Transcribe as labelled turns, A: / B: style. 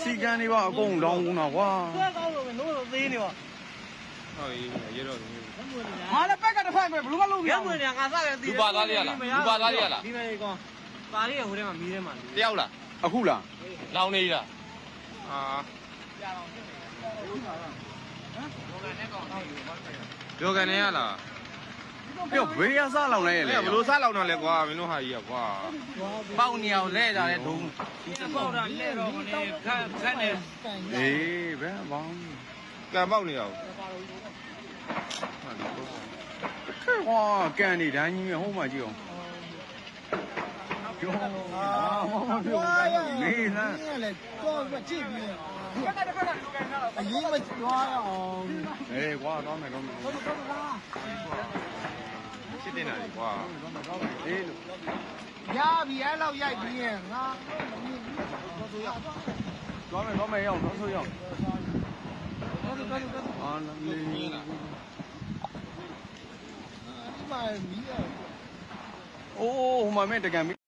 A: စီကန်းနေပါအကုန်လောင်းတော့ကွာ
B: ဆွဲကောင်းလို့ပဲနိုးလို့သေးနေပါ
C: ဟုတ်ပြီရတော့
A: ငါလည်းပက်ကတစ်ဖက်ပဲဘလို့မလုပ်
B: ရဲမွေနေငါစားရသေး
C: လူပါသားလေးရလားလူပါသားလေးရလား
B: ဒီမဲ့ကောင်ပါလေးရဟိုထဲမှာမီးထဲမှာ
C: တယောက်လား
A: အခုလား
C: လောင်နေလားအာ ပြောကန်နေရလား
A: ပြောဘေးရစားလောင်လိုက်ရလေ
C: ဘလို့စားလောင်တော့လဲကွာမင်းတို့ဟာကြီးကွာ
A: ပေါက်နေအောင်လဲကြတဲ့ဒုံ
B: ဒီပေါက်တာလဲတော့မနေခက်နေ
A: အေးဘယ်ဘောင်း
C: ကံပေါက်နေရအောင်
A: ကွာကန်နေတိုင်းကြီးမြဟိုးမှကြည့်အောင်ပြောမပြောနေလား
D: လေတော့မကြည့်ပြီးအရင်မကြွားရအောင်
A: အေးကွာတော့မယ်တော့မယ်
C: ရှစ်တင်တာလေကွာ
A: အေးလို့
D: ရပြီအဲ့လောက်ရိုက်ပြီးရင်ငါ
A: တော့မယ်ရောက်တော့ဆိုရောက်အာလီ
D: ဒီမှာမီးရ
A: အိုးဟိုမှာမဲ့တကံ